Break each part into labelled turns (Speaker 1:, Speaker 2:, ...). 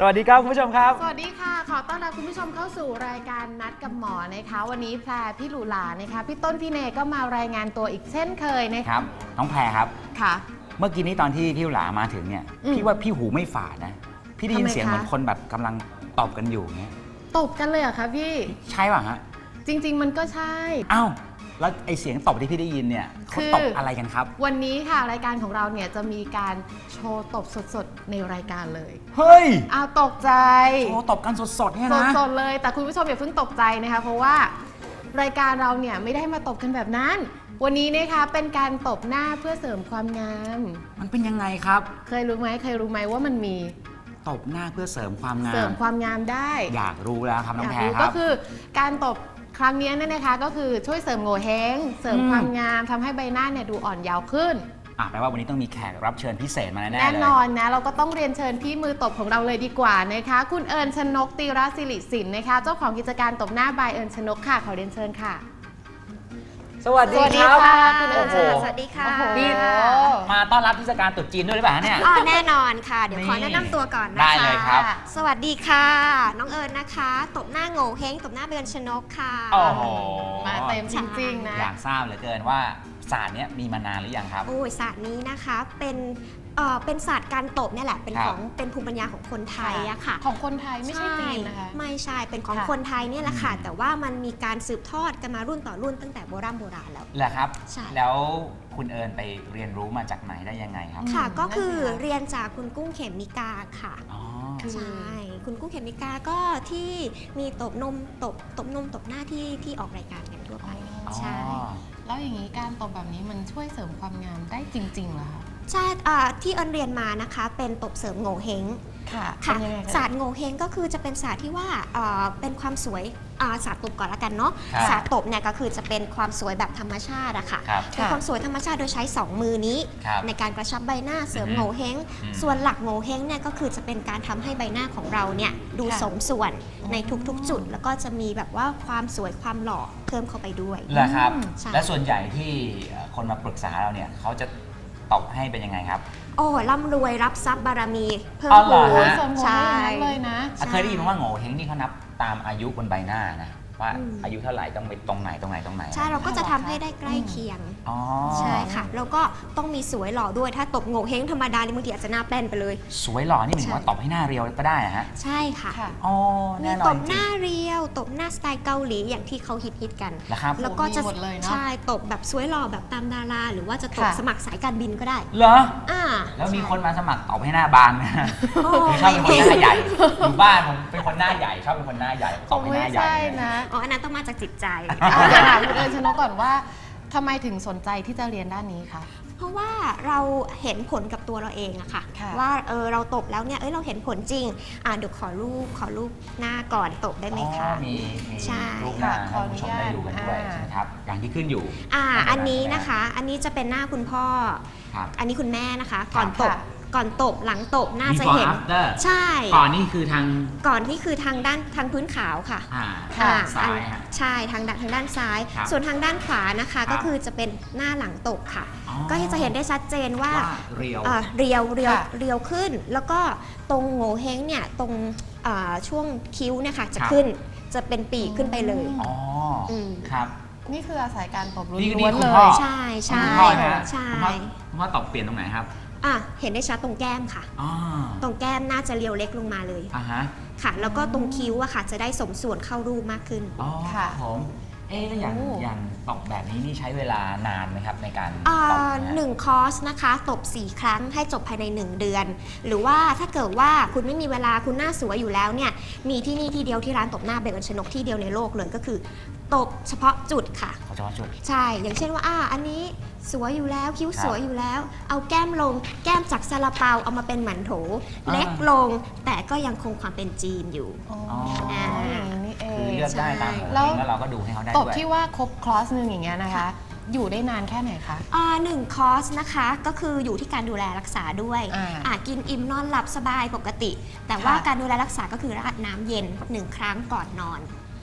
Speaker 1: วัสดีครับคุณผู้ชมครับ
Speaker 2: สวัสดีค่ะขอต้อนรับคุณผู้ชมเข้าสู่รายการนัดกับหมอนะคะวันนี้แพรพี่หลูหลานะคะพี่ต้นพี่เนก็มารายงานตัวอีกเช่นเคยนะครับ
Speaker 1: น้องแพรครับ
Speaker 2: ค่ะ
Speaker 1: เมื่อกี้นี้ตอนที่พี่หลามาถึงเนี่ยพี่ว่าพี่หูไม่ฝาดนะพี่ได้ยินเสียงเหมือนคนแบบกำลังตบกันอยู่เงี้ย
Speaker 2: ตบกันเลยเหรอคะพี่
Speaker 1: ใช่ป่ะฮะ
Speaker 2: จริงๆมันก็ใช่
Speaker 1: อ้าวแล้วไอเสียงตบที่พี่ได้ยินเนี่ยเขาตบอะไรกันครับ
Speaker 2: วันนี้ค่ะรายการของเราเนี่ยจะมีการโชว์ตบสดๆในรายการเลย
Speaker 1: เฮ้ย
Speaker 2: อ้าวตกใจ
Speaker 1: โชว์ตบกันสดๆเนี่ยนะ
Speaker 2: สดๆเลยแต่คุณผู้ชมอย่าเพิ่งตกใจนะคะเพราะว่ารายการเราเนี่ยไม่ได้มาตบกันแบบนั้นวันนี้นะคะเป็นการตบหน้าเพื่อเสริมความงาม
Speaker 1: มันเป็นยังไงครับ
Speaker 2: เคยรู้ไหมว่ามันมี
Speaker 1: ตบหน้าเพื่อเสริมความงาม
Speaker 2: เสริมความงามได้
Speaker 1: อยากรู้แล้วครับน้องแพรครับ
Speaker 2: ก็คือการตบครั้งนี้เนี่ยนะคะก็คือช่วยเสริมโงเห้งเสริมความงามทำให้ใบหน้าเนี่ยดูอ่อนเยาว์ขึ้น
Speaker 1: แปลว่าวันนี้ต้องมีแขกรับเชิญพิเศษมาแน่ๆเลย
Speaker 2: แน่นอนนะเราก็ต้องเรียนเชิญพี่มือตบของเราเลยดีกว่านะคะคุณเอิญชนกตีรศิริสินนะคะเจ้าของกิจการตบหน้าบายเอิญชนกค่ะขอเรียนเชิญค่ะ
Speaker 1: สวัสดีครับ
Speaker 2: คุณเอิญ
Speaker 3: สวัสดีค่ะ
Speaker 1: นี่มาต้อนรับเทศกาลตรุษจีนด้วยหรือเปล่าเนี่ย
Speaker 3: แน่นอนค่ะเดี๋ยวขอแนะนำตัวก่อนนะคะ
Speaker 1: ได้เลยครับ
Speaker 3: สวัสดีค่ะน้องเอิญนะคะตบหน้าโง่เฮงตบหน้าเบญชนกค่ะ
Speaker 1: โอ้โห
Speaker 2: มาเต็มจริงๆนะ
Speaker 1: อยากทราบเหลือเกินว่าศาสตร์นี้มีมานานหรือยังครับ
Speaker 3: โอ้ยศาสตร์นี้นะคะเป็นศาสตร์การตบเนี่ยแหละเป็นภูมิปัญญาของคนไทยอะค่ะ
Speaker 2: ของคนไทยไม่ใช่จีนนะคะ
Speaker 3: ไม่ใช่เป็นของคนไทยเนี่ยแหละค่ะแต่ว่ามันมีการสืบทอดกันมารุ่นต่อรุ่นตั้งแต่โบราณแล้ว
Speaker 1: แหละครับแล้วคุณเอิญไปเรียนรู้มาจากไหนได้ยังไงครับ
Speaker 3: ค่ะก็คือเรียนจากคุณกุ้งเขมิกาค่ะใช่คุณกุ้งเขมิกาก็ที่มีตบนมตบหน้าที่ออกรายการกันทั่วไปใช่
Speaker 2: แล้วอย่างนี้การตบแบบนี้มันช่วยเสริมความงามได้จริงๆเหรอคะ
Speaker 3: ใช่ที่เอิญเรียนมานะคะเป็นตบเสริมโง่เฮง
Speaker 2: ค่ะ
Speaker 3: ศาสตร์โง่เฮงก็คือจะเป็นศาสตร์ที่ว่าเป็นความสวยศาสตร์ตบก่อนละกันเนาะศาสตร์ตบเนี่ยก็คือจะเป็นความสวยแบบธรรมชาติอะค่ะเป็นความสวยธรรมชาติโดยใช้2มือนี้ในการกระชับใบหน้าเสริมโง่เฮงส่วนหลักโง่เฮงเนี่ยก็คือจะเป็นการทำให้ใบหน้าของเราเนี่ยดูสมส่วนในทุกๆจุดแล้วก็จะมีแบบว่าความสวยความหล่อเพิ่มเข้าไปด้วย
Speaker 1: เหรอครับและส่วนใหญ่ที่คนมาปรึกษาเราเนี่ยเขาจะตบให้เป็นยังไงครับ
Speaker 3: โอ้ร่ำรวยรับทรัพย์บารมีเพิ่มพูน
Speaker 2: ใช่เลยนะ
Speaker 1: เคยได้ยินว่าโง่เฮงนี่เขานับตามอายุบนใบหน้านะว่าอายุเท่าไหร่ต้องไปตรงไหน
Speaker 3: ใช่เราก็จะทำให้ได้ใกล้เคียงใช่ค่ะแล้วก็ต้องมีสวยหล่อด้วยถ้าตบโง่เฮงธรรมดานี่บางทีอาจจะหน้าแป้นไปเลย
Speaker 1: สวยหล่อนี่หมายถึงว่าตบให้หน้าเรียวก็ได้ฮะ
Speaker 3: ใช่ค่ะมีตบหน้าเรียวตบหน้าสไตล์เกาหลีอย่างที่เขาฮิตกันแล้วก็จะใช่ตบแบบสวยหล่อแบบตามดาราหรือว่าจะตบสมัครสายการบินก็ได้
Speaker 1: เหรอแล้วมีคนมาสมัครตบให้หน้าบางนะชอบเป็นคนหน้าใหญ่อยู่บ้านผมเป็นคนหน้าใหญ่ชอบเป็นคนหน้าใหญ่ตบให้หน้าใหญ่
Speaker 2: นะ
Speaker 3: อันนั้นต้องมาจากจิตใจ
Speaker 2: ถามคุณเอิญชนกก่อนว่าทำไมถึงสนใจที่จะเรียนด้านนี้คะ
Speaker 3: เพราะว่าเราเห็นผลกับตัวเราเองอะค่ะว่าเราตบแล้วเนี่ยเราเห็นผลจริงเดี๋ยวขอรูปหน้าก่อนตบได้ไหมคะ
Speaker 1: มีรูปหน้าให้ผู้ชมได้ดูกันด้วยนะครับอย่างที่ขึ้นอยู่
Speaker 3: อันนี้นะคะอันนี้จะเป็นหน้าคุณพ่ออันนี้คุณแม่นะคะก่อนตบหลังตบน่าจะเห็นใช่
Speaker 1: ก่อนนี่คือท
Speaker 3: างด้านทางพื้นขาวค่ะ
Speaker 1: ซ้าย
Speaker 3: ใช่ทางด้านซ้ายส่วนทางด้านขวานะคะก็คือจะเป็นหน้าหลังตบค่ะก็จะเห็นได้ชัดเจนว่าเรียวขึ้นแล้วก็ตรงโง่เฮงเนี่ยตรงช่วงคิ้วเนี่ยค่ะจะขึ้นจะเป็นปีกขึ้นไปเลย
Speaker 1: ครับ
Speaker 2: นี่คืออาศัยการตบล้
Speaker 1: วน
Speaker 3: เลยใช่
Speaker 1: คุณพ่อตบเปลี่ยนตรงไหนครับ
Speaker 3: เห็นได้ชัดตรงแก้มค่ะตรงแก้มน่าจะเรียวเล็กลงมาเลยค่ะแล้วก็ตรงคิ้วอะค่ะจะได้สมส่วนเข้ารูปมากขึ้น
Speaker 1: ค่ะผมแล้วอย่างตบแบบนี้นี่ใช้เวลานานไหมครับในการตบ
Speaker 3: 1 คอร์สนะคะตบ4 ครั้งให้จบภายใน1 เดือนหรือว่าถ้าเกิดว่าคุณไม่มีเวลาคุณหน้าสวยอยู่แล้วเนี่ยมีที่นี่ที่เดียวที่ร้านตบหน้าเบญชนกที่เดียวในโลกเลยก็คือตบเฉพาะจุดค่ะ
Speaker 1: เฉพาะจุด
Speaker 3: ใช่อย่างเช่นว่าอันนี้สวยอยู่แล้วคิ้วสวยอยู่แล้วเอาแก้มลงแก้มจากซาลาเปาเอามาเป็นหมันโถเล็กลงแต่ก็ยังคงความเป็นจีนอยู่
Speaker 1: คือเลือกได้ตามแล้วเราก็ดูให้เขาได้ด้วย
Speaker 2: ตบที่ว่าครบคอร์สนึงอย่างเงี้ยนะคะอยู่ได้นานแค่ไหนคะ
Speaker 3: 1 คอร์สนะคะก็คืออยู่ที่การดูแลรักษาด้วยกินอิ่มนอนหลับสบายปกติแต่ว่าการดูแลรักษาก็คือราดน้ำเย็น1 ครั้งก่อนนอน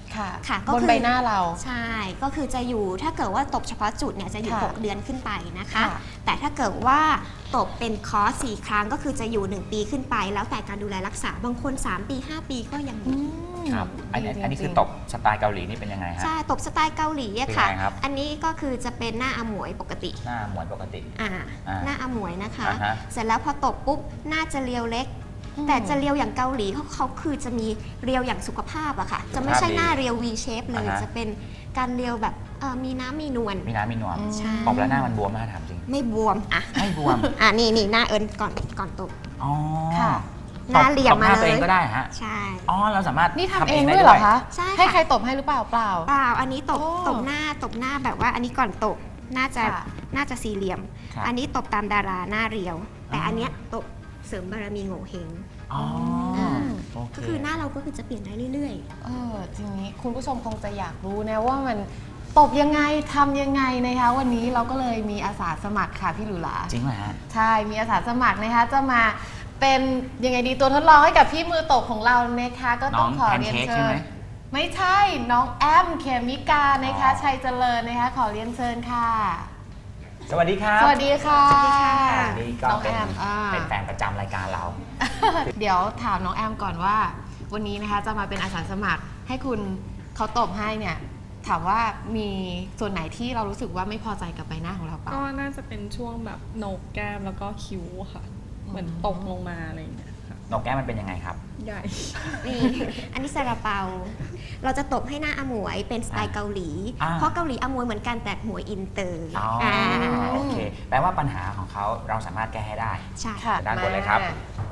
Speaker 2: ค่ะ
Speaker 3: ค่ะก็
Speaker 2: บน
Speaker 3: คือ
Speaker 2: ใบหน้าเรา
Speaker 3: ใช่ ก็คือจะอยู่ถ้าเกิดว่าตบเฉพาะจุดเนี่ยจะอยู่
Speaker 2: ค่ะ
Speaker 3: 6 เดือนขึ้นไปนะคะ
Speaker 2: ค่ะ
Speaker 3: แต่ถ้าเกิดว่าตบเป็นคอร์ส4 ครั้งก็คือจะอยู่ 1 ปีขึ้นไป แล้วแต่การดูแลรักษาบางคน 3 ปี 5 ปีก็ยังอยู่
Speaker 1: ครับอันนี้คือตบสไตล์เกาหลีนี่เป็นยังไงฮะ
Speaker 3: ใช่ ตบสไตล์เกาหลีอะค่ะ
Speaker 1: เป็นไงครับ
Speaker 3: อันนี้ก็คือจะเป็นหน้าอมวยปกติ
Speaker 1: หน้าหมวนปกติ
Speaker 3: อ่า
Speaker 1: อ่า
Speaker 3: หน้าอมวยนะคะ
Speaker 1: อ่าฮะ
Speaker 3: เสร็จแล้วพอตบปุ๊บหน้าจะเรียวเล็ก แต่จะเรียวอย่างเกาหลีเขาคือจะมีเรียวอย่างสุขภาพอะค่ะ จะไม่ใช่หน้าเรียว V shape เลย
Speaker 1: อ่าฮะ
Speaker 3: จะเป็นการเรียวแบบมีน้ำมีนวล
Speaker 1: มีน้ำมีนวล
Speaker 3: ใช่
Speaker 1: ตบแล้วหน้ามันบวมไหมถามจริง
Speaker 3: ไม่บวมอ่ะ
Speaker 1: ไม่บวม
Speaker 3: นี่หน้าเอิญก่อนตบ
Speaker 1: อ๋อ
Speaker 2: ค่ะ
Speaker 3: หน้าเหลี่ยม
Speaker 1: ตบหน้า
Speaker 3: มา
Speaker 1: ตัว
Speaker 3: เลย
Speaker 1: เองก็ได้ฮะ
Speaker 3: ใช่
Speaker 1: อ๋อเราสามารถ
Speaker 2: นี่ทำเอ
Speaker 1: ทำ
Speaker 2: ง
Speaker 1: ได้
Speaker 2: ด้วยเหรอคะ
Speaker 3: ใช่ค่ะ
Speaker 2: ให้ใครตบให้หรือเปล่าเปล่า
Speaker 3: เปล่าอันนี้ตบ
Speaker 2: โอ้
Speaker 3: ตบหน้าแบบว่าอันนี้ก่อนตบน่าจะ
Speaker 2: ค่ะ
Speaker 3: น่าจะสี่เหลี่ยม
Speaker 1: ครับ
Speaker 3: อันนี้ตบตามดาราหน้าเรียว แต่
Speaker 1: อ๋ออั
Speaker 3: อันเนี้ยตบเสริมบารมีโง่เฮง
Speaker 1: อ๋อ
Speaker 2: ม
Speaker 1: โอเค
Speaker 3: ก็คือหน้าเราก็คือจะเปลี่ยนได้เรื่อย
Speaker 2: ทีนี้คุณผู้ชมคงจะอยากรู้นะว่ามันตบยังไงทำยังไงนะคะ วันนี้เราก็เลยมีอาสาสมัครค่ะพี่หลูหลา
Speaker 1: จริงเหรอฮะ
Speaker 2: ใช่ มีอาสาสมัครนะคะ จะมาเป็นยังไงดีตัวทดลองให้กับพี่มือตบของเรานะคะ ก็ต้องขอเรียน
Speaker 1: น้องแพนเค้ก
Speaker 2: เชิ
Speaker 1: ใช่ไหม
Speaker 2: ญไม่ใช่ น้องแอมเคมิกานะคะ
Speaker 1: อ๋อ
Speaker 2: ชัยเจริญนะคะ ขอเรียนเชิญค่ะ
Speaker 1: สวัสดีครับ
Speaker 2: สวัสดีค่ะ
Speaker 3: สวัสดีค่ะ
Speaker 1: นี่ก็
Speaker 2: น้อง
Speaker 1: เป็น
Speaker 2: แอม
Speaker 1: เป็นแฟนประจำรายการเรา
Speaker 2: เดี๋ยวถามน้องแอมก่อนว่า วันนี้นะคะจะมาเป็นอาสาสมัครให้คุณเขาตบให้เนี่ย ถามว่ามีส่วนไหนที่เรารู้สึกว่าไม่พอใจกับใบหน้าของเราเปล่า
Speaker 4: ก็น่าจะเป็นช่วงแบบโหนกแก้มแล้วก็คิ้วค่ะ เหมือนตกลงมาอะไรอย่างเงี้ยค่ะ
Speaker 1: นกแก้มมันเป็นยังไงครับ
Speaker 4: ใหญ่
Speaker 3: ๆนี่ อันนี้ซาลาเปา เราจะตบให้หน้าอมวยเป็นสไตล์เกาหลี
Speaker 1: อ่า
Speaker 3: เพราะเกาหลีอมวยเหมือนกันแต่หมวยอินเตอร์
Speaker 1: อ๋อโอเค แปลว่าปัญหาของเขาเราสามารถแก้ให้ได้
Speaker 3: ใช่
Speaker 2: ค่ะ
Speaker 1: ด้านบนเลยครับ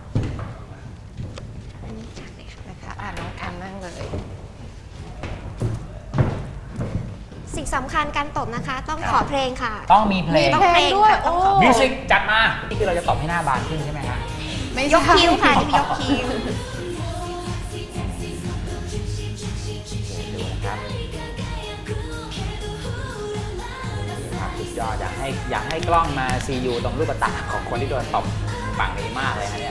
Speaker 3: อันนี้จัดเลยค่ะ
Speaker 2: นะคะน้องแอมนั่งเลย
Speaker 3: สิ่งสำคัญการตบนะคะ ต้อง
Speaker 1: ครับ
Speaker 3: ขอเพลงค่ะ
Speaker 1: ต้องมีเพลง
Speaker 3: ต้องเพลง
Speaker 2: ด้วย
Speaker 3: ค่ะต้องขอ
Speaker 2: โอ้
Speaker 1: มิวสิกจัดมา นี่คือเราจะตบให้หน้าบานขึ้นใช่ไหมฮะ
Speaker 2: ไม่
Speaker 3: ยก
Speaker 2: ใช่
Speaker 3: คิ้วค่ะนี่ยกคิ้ว
Speaker 1: ดูนะครับนี่ครับสุดยอดอยากให้กล้องมาซียูตรงลูกตาของคนที่โดนตบฝั่งนี้มากเลยฮะเนี่ย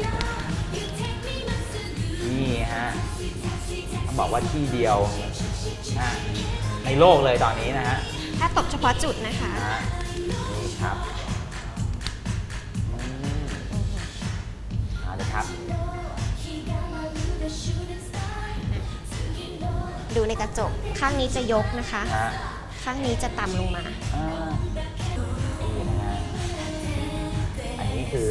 Speaker 1: นี่ฮะต้องบอกว่าที่เดียวนะในโลกเลยตอนนี้นะฮะ
Speaker 3: ถ้าตบเฉพาะจุดนะคะ
Speaker 1: นี่ครับเอาเลยครับ
Speaker 3: ดูในกระจก ข้างนี้จะยกนะคะ
Speaker 1: ฮะ
Speaker 3: ข้างนี้จะต่ำลงมา
Speaker 1: นี่นะฮะอันนี้คือ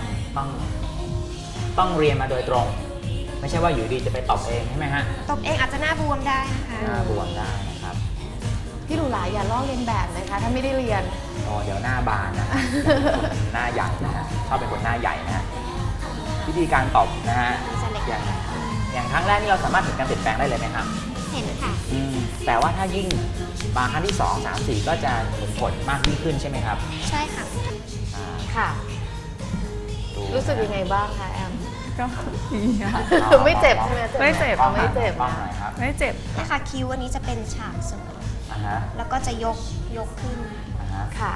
Speaker 1: ต้องเรียนมาโดยตรง ไม่ใช่ว่าอยู่ดีจะไปตอบเองใช่ไหมฮะ
Speaker 3: ตบเองอาจจะหน้าบวมได้นะคะ
Speaker 1: หน้าบวมได้นะครับ
Speaker 2: พี่หลูหลาอย่าลอกเลียนแบบนะคะ ถ้าไม่ได้เรียน
Speaker 1: โอ้เดี๋ยวหน้าบานนะฮะคนหน้าใหญ่นะฮะชอบเป็นคนหน้าใหญ่นะฮะวิธีการตอบนะฮะ
Speaker 3: จะเล็ก
Speaker 1: อย่างครั้งแรกนี่เราสามารถเห็นการเปลี่ยนแปลงได้เลยไหมครับ
Speaker 3: เห็นค่ะ
Speaker 1: แต่ว่าถ้ายิ่งมาครั้งที่ 2 3 4 ก็จะเห็นผลมากยิ่งขึ้นใช่ไหมครับ
Speaker 3: ใช่ค่ะ
Speaker 1: อ่า
Speaker 2: ค่ะ
Speaker 1: ดู
Speaker 2: รู้สึกยังไงบ้างคะแอม
Speaker 4: ก็ดีค่ะ
Speaker 2: ไม่เจ็บใช่ไหม
Speaker 4: ไม่เจ็บ
Speaker 2: อ๋อไม่เจ็บ
Speaker 1: กล้อง
Speaker 2: นะ
Speaker 1: หน่อยครับ
Speaker 4: ไม่เจ็บ
Speaker 3: นะคะคิ้วอันนี้จะเป็นฉากเสมอ
Speaker 1: อ่าฮะ
Speaker 3: แล้วก็จะยกขึ้น
Speaker 1: อ่าฮะ
Speaker 2: ค่ะ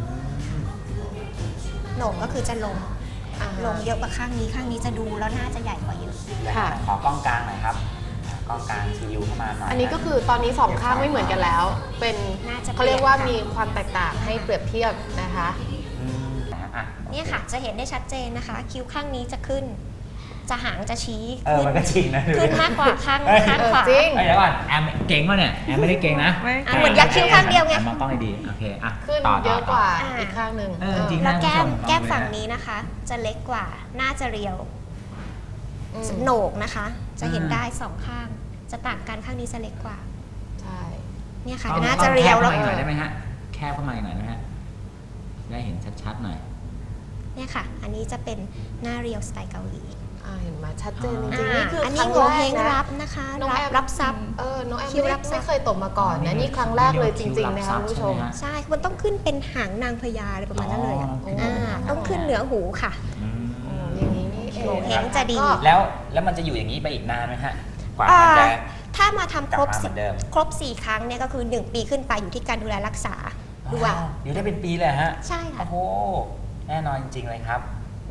Speaker 3: โหนกก็คือจะลง
Speaker 2: อ่า
Speaker 3: ลงเยอะกว่าข้างนี้ ข้างนี้จะดูแล้วหน้าจะใหญ่กว่าเยอะ
Speaker 2: ค่ะ
Speaker 1: ขอกล้องกลางหน่อยครับกล้องกลางซียูเข้ามาหน่อย
Speaker 2: อันนี้ก็คือตอนนี้สองข้างไม่เหมือนกันแล้ว เป็น
Speaker 3: น่าจะ
Speaker 2: เขาเรียกว่า
Speaker 3: เปลี่
Speaker 2: มี
Speaker 3: ยนค่ะ
Speaker 2: ความแตกต่างให้เปรียบเทียบนะคะ
Speaker 1: นะฮะอ่ะ
Speaker 3: เนี่ยค่ะ จะเห็นได้ชัดเจนนะคะ คิ้วข้างนี้จะขึ้น จะหางจะชี้
Speaker 1: มันก็จริงนะ
Speaker 3: ขึ้นมากกว่าข้าง
Speaker 1: เอ้ย
Speaker 3: ข้างขวา
Speaker 2: จริง
Speaker 1: เอ้ยเดี๋ยวก่อนแอมเก่งป่ะเนี่ยแอมไม่ได้เก่งนะ
Speaker 4: ไม่
Speaker 3: อ่ะเหมือนยักษ์คิ้วข้างเดียวไง
Speaker 1: แอมมองกล้องให้ดีโอเคอ่ะ
Speaker 2: ขึ้น
Speaker 1: ต่
Speaker 2: เยอะกว่า
Speaker 3: อ่า
Speaker 2: อีกข้างหนึ่ง
Speaker 1: เออจริง
Speaker 3: แล้วแก้ม
Speaker 1: คุณผู้ชม
Speaker 3: แก้ม
Speaker 1: ลองดูนะ
Speaker 3: ฝั่งนี้นะคะ จะเล็กกว่า หน้าจะเรียว
Speaker 2: อืม
Speaker 3: โหนกนะคะ จะเห็นได้สองข้าง จะต่างกันข้างนี้จะเล็กกว่า
Speaker 2: ใช่
Speaker 3: เนี่ยค่ะ
Speaker 1: ต้อง
Speaker 3: หน้าจะเรียว
Speaker 1: แค
Speaker 3: แล้
Speaker 1: บ
Speaker 3: ว
Speaker 1: เข้ามาอีกหน่อยได้ไหมฮะแคบเข้ามาอีกหน่อยได้ไหมฮะได้เห็นชัดๆหน่อย
Speaker 3: เนี่ยค่ะ อันนี้จะเป็นหน้าเรียวสไตล์เกาหลี
Speaker 2: เห็นไหมชัดเจนจ
Speaker 1: อ่า
Speaker 2: ริงๆนี่คือ
Speaker 3: อัน
Speaker 2: ค
Speaker 3: นี้
Speaker 2: รั้ง
Speaker 3: โง
Speaker 2: แร
Speaker 3: เฮ
Speaker 2: ก
Speaker 3: ง
Speaker 2: นะ
Speaker 3: รับนะคะ
Speaker 2: น้องแอม
Speaker 3: รับทรัพย์
Speaker 2: น้องแอม
Speaker 3: คิ้ว
Speaker 2: ไม่
Speaker 3: รับทรัพย์
Speaker 2: เคยตบมาก่อนนะนี่ครั้งแรกเลยจริงๆนะคะคุณผู้ชม
Speaker 3: ใช่ มันต้องขึ้นเป็นหางนางพญาอะไรประมาณนั้นเลยอะ
Speaker 2: อ๋อ
Speaker 3: ต้องขึ้นเหนือหูค่ะ
Speaker 1: อืม
Speaker 2: อย่างนี้นี่เอง
Speaker 3: โงเห้งจะดี
Speaker 2: ก็
Speaker 1: แล้วมันจะอยู่อย่างนี้ไปอีกนานไหมฮะกว่า
Speaker 3: อ่า
Speaker 1: มันจะ
Speaker 3: ถ้ามาทำครบ
Speaker 1: กลับมาเหมือนเดิม
Speaker 3: ครบ 4 ครั้งเนี่ยก็คือ 1 ปีขึ้นไปอยู่ที่การดูแลรักษาด้วย
Speaker 1: อยู่ได้เป็นปีเลยฮะ
Speaker 3: ใช่ค่ะ
Speaker 1: โอ้โหแน่นอนจริงๆเลยครับ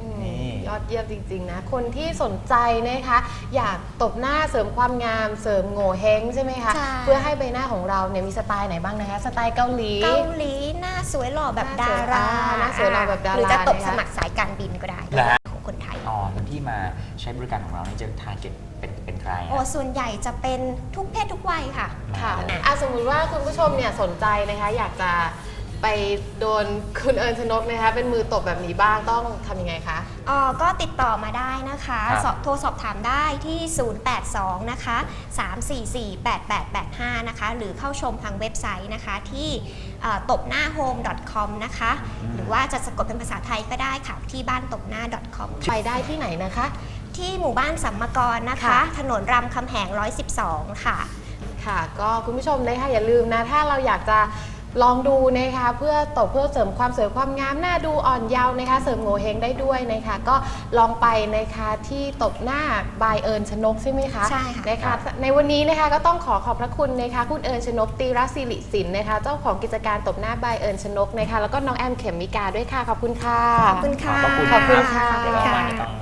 Speaker 1: นี่
Speaker 2: ยอดเยี่ยมจริงๆนะคนที่สนใจนะคะอยากตบหน้าเสริมความงามเสริมโง่เฮงใช่ไหมคะ
Speaker 3: ใช่
Speaker 2: เพื่อให้ใบหน้าของเราเนี่ยมีสไตล์ไหนบ้างนะคะสไตล์เกาหลี
Speaker 3: เกาหลีหน้าสวยหล่อแบบดารา
Speaker 2: หน้าสวยหล่อแบบดารา
Speaker 3: หรือจะตก
Speaker 2: นะคะ
Speaker 3: สมัครสายการบินก็ได้
Speaker 1: เหรอฮะ
Speaker 3: ของคนไทย
Speaker 1: อ๋อคนที่มาใช้บริการของเรานี่จะทาร์เก็ตเป็นใคร
Speaker 3: โอ้
Speaker 1: อะ
Speaker 3: ส่วนใหญ่จะเป็นทุกเพศทุกวัยค่ะ
Speaker 2: ค่ะสมมุติว่าคุณผู้ชมเนี่ยสนใจนะคะอยากจะไปโดนคุณเอิญชนกนะคะเป็นมือตบแบบนี้บ้างต้องทำยังไงคะ
Speaker 3: ก็ติดต่อมาได้นะคะ
Speaker 1: ครับ
Speaker 3: โทรสอบถามได้ที่ 082 นะคะ 344 8885 นะคะ หรือเข้าชมทางเว็บไซต์นะคะที่ตบหน้า home.com นะคะ หรือว่าจะสะกดเป็นภาษาไทยก็ได้ค่ะที่บ้านตบหน้า .com
Speaker 2: ไปได้ที่ไหนนะคะ
Speaker 3: ที่หมู่บ้านสัมมกรนะคะ
Speaker 2: ค่ะ
Speaker 3: ถนนรามคำแหง 112 ค่ะ
Speaker 2: ค่ะก็คุณผู้ชมนะคะอย่าลืมนะถ้าเราอยากจะลองดูนะคะเพื่อตบเพื่อเสริมความสวยความงามหน้าดูอ่อนเยาว์นะคะเสริมโงเฮงได้ด้วยนะคะก็ลองไปนะคะที่ตบหน้าบายเอิญชนกใช่ไหมคะ
Speaker 3: ใช่ค่ะ
Speaker 2: นะคะในวันนี้นะคะก็ต้องขอบพระคุณนะคะคุณเอิญชนกตีรศิริสินนะคะเจ้าของกิจการตบหน้าบายเอิญชนกนะคะแล้วก็น้องแอมเขมมิกาด้วยค่ะขอบคุณค่ะ
Speaker 3: ขอบคุณค่ะ
Speaker 1: ขอบคุณ
Speaker 2: ขอบคุณค่ะ
Speaker 3: ขอบ
Speaker 1: เดี๋
Speaker 3: คุ
Speaker 1: ยว
Speaker 3: ณ
Speaker 1: เรา
Speaker 3: ค่ะ
Speaker 1: มาในต้อง